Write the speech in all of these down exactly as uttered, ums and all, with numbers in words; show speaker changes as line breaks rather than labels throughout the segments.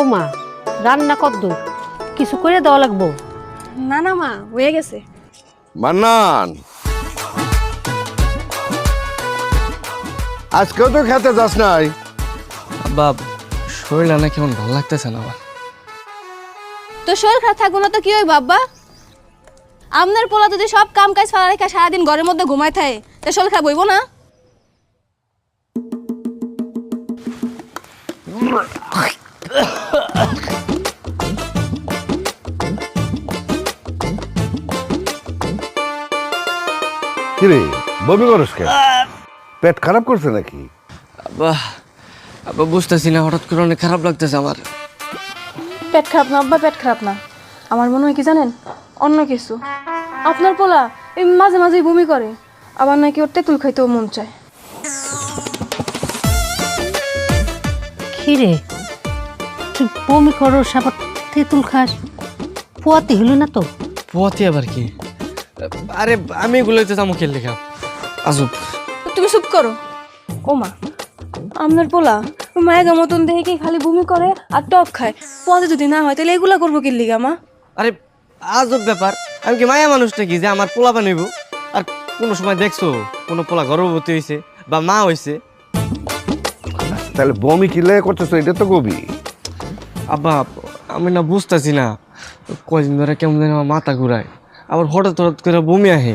বৌমা রান্না কদ্দূর কিছু করে দেওয়া লাগবো?
না না মা হয়ে গেছে।
মান্নান, আজকেও তো খেতে যাস নাই?
বাপ শরীর না কেমন ভালো লাগতেছে না আমার।
তো শরীর খারাপ থাকবো না তো কি হইব বাবা? আপনার পোলা যদি সব কাম কাজ ফেলা রেখা সারাদিন ঘরের মধ্যে ঘুমায় থাকে তা শরীর খারাপ হইব না?
কিরে বমি করস কেন? পেট খারাপ করছে নাকি?
আব্বা আব্বা বুঝতেছি না, হঠাৎ করে অনেক খারাপ লাগতেছে আমার।
পেট খারাপ না আব্বা, পেট খারাপ না। আমার মনে হয় কি জানেন, অন্য কিছু। আপনার পোলা এই মাঝে মাঝেই বমি করে, আবার নাকি ওর তেঁতুল খাইতেও মন চায়।
খিরে তুই বমি করস আবার তেঁতুল খাস, পোয়াতি হলো না তো?
পোয়াতি আবার কি? আরে আমি এগুলো যাবো খেললে খা আজব।
তুমি চুপ করো। ও মা, আপনার পোলা মায়ের মতন দেখে কি খালি বমি করে আর টক খায়, পদে যদি না হয় তাহলে এগুলা করবো কি লিগা মা?
আরে আজব ব্যাপার, আমি কি মায়া মানুষ নাকি যে আমার পোলা বানাইব? আর কোনো সময় দেখছো কোনো পোলা গর্ভবতী হয়েছে বা মা হয়েছে?
তাহলে বমি কিলে করতেছ, এটা তো কবি।
আব্বা আমি না বুঝতেছি না, কয়দিন ধরে কেমন যেন আমার মাথা ঘুরায়, আবার হঠাৎ হঠাৎ করে বমি আহে।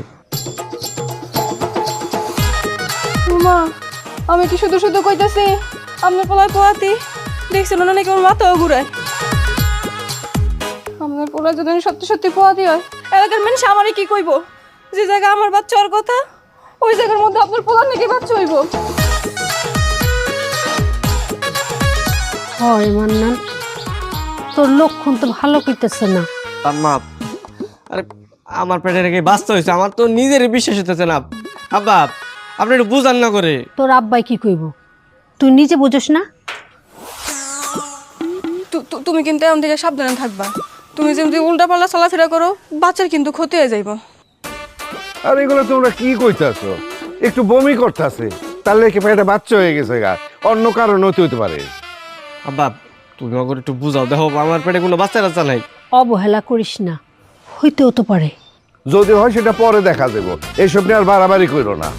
মা আমি কি শুধু শুধু কইতাছি আপনার পোলায় পোয়াতি? দেখছেন না নাকি আমার মাথাও ঘুরায়। আপনার পোলায় যদি সত্যি সত্যি পোয়াতি হয়, এলাকার মানুষ আমারে কি কইব? যে জায়গা আমার বাচ্চা ওর কথা, ওই জায়গার মধ্যে আপনার পোলার নাকি বাচ্চা হইব।
হয় মান্নান, তোর লক্ষণ তো ভালো করতেছে না।
আম্মা আরে আমার পেটে রেখে বাঁচতে হয়েছে, আমার তো নিজেরই বিশ্বাস হতেছে না। আব্বা আপনি একটু বুঝান না করে।
তোর আব্বাই কি কইব তুই নিজে বুঝোস না?
তুমি কিন্তু এমন থেকে সাবধানে থাকবা। তুমি যেমন উল্টা পাল্লা চলাফেরা করো, বাচ্চার কিন্তু ক্ষতি হয়ে যাইব।
আর এগুলো তোমরা কি কইতাছ? একটু বমি করতেছে তাহলে কি পেটে বাচ্চা হয়ে গেছে গা? অন্য কারণ হতে হতে পারে।
আব্বা তুমি আমাকে একটু বুঝাও, দেখো আমার পেটে কোনো বাচ্চা টাচ্চা নাই।
অবহেলা করিস না, হইতেও তো পারে।
যদি হয় সেটা পরে দেখা যাব, এইসব নিয়ে আর বাড়াবাড়ি করো না।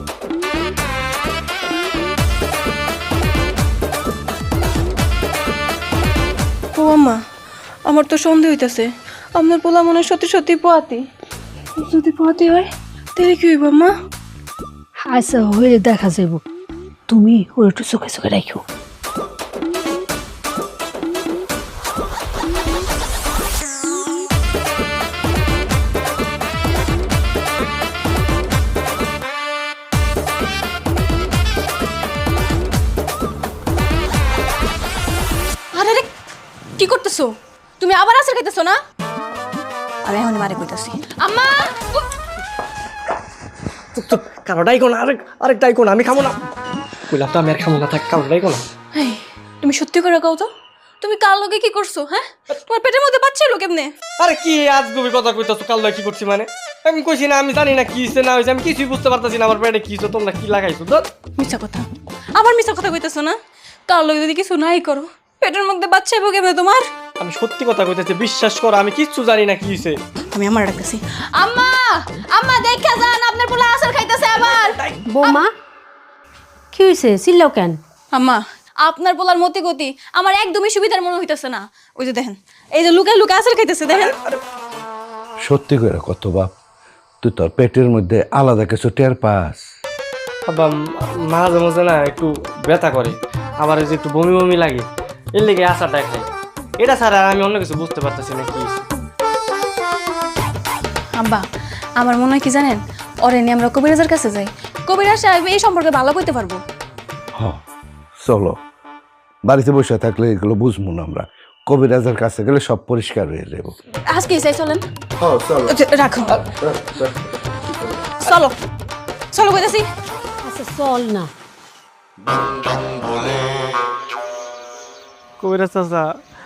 ও আম্মা, আমার তো সন্দেহ হইতাছে আপনার পোলা মনে হয় সত্যি সত্যি পোয়াতি। যদি পোয়াতি হয় তাহলে কি হইব আম্মা?
আচ্ছা হইলে দেখা যাব, তুমি ওর একটু চোখে চোখে রাখো।
আরে রে কি করতেছো তুমি? আবার আসার খাইতেছো না? আমি এখন মারে কইতাছি। আম্মা
কারোটাই কোন আরেক আরেকটাই কোন আমি খাবো না, কইলাম তো আমি আর খাবো না, থাক কারোটাই কোন।
এই তুমি সত্যি করে কও তো, তুমি কাল লগে কি করছো? হ্যাঁ, তোমার পেটের মধ্যে বাচ্চা এলো কেমনে?
আরে কি আজগুবি কথা কইতাছো? কাল কি করছি মানে? আমি কইছি না আমি জানি না কি হইছে না হইছে, আমি কিছুই বুঝতে পারতাছি না আমার পেটে কি হইছে, তোমরা কি লাগাইছো? তো
মিছা কথা, আবার মিছা কথা কইতাছো না? কাল লগে যদি কিছু নাই করো, পেটের মধ্যে বাচ্চা এলো কেমনে তোমার?
আমি সত্যি কথা কইতাছি, বিশ্বাস করো আমি কিচ্ছু জানি না কি হইছে।
আমি আমার ডাকতেছি। আম্মা আম্মা দেখা যান আপনার পোলা আসার খাইতেছে আবার।
বৌমা কি হয়েছে, চিল্লাও কেন?
আম্মা আপনার পোলার মতি গতি আমার একদমই সুবিধার মনে হইতেছে না। ওই যে দেখেন, এই যে লুকা লুকা আসার খাইতেছে দেখেন।
সত্যি করে কত বাপ, তুই তোর পেটের মধ্যে আলাদা কিছু টের পাস?
আব্বা মাঝে মাঝে না একটু ব্যথা করে, আবার এই যে একটু বমি বমি লাগে, এর লেগে আশাটা খাই। এটা ছাড়া আমি অন্য কিছু বুঝতে পারতেছি না কি হইছে।
আব্বা আমার মনে হয় কি জানেন, ওরে নিয়ে আমরা কবিরাজের কাছে যাই, কবিরাজ সাহেব এই সম্পর্কে ভালো কইতে পারবো।
হ চলো, বাড়িতে বসে থাকলে এগুলো বুঝবো না আমরা, কবিরাজের কাছে গেলে সব পরিষ্কার হয়ে যাবো।
আজকে চাই চলেন।
চলো
রাখো, চলো চলো কইতাছি।
আচ্ছা চল না।
কবিরাজ চাচা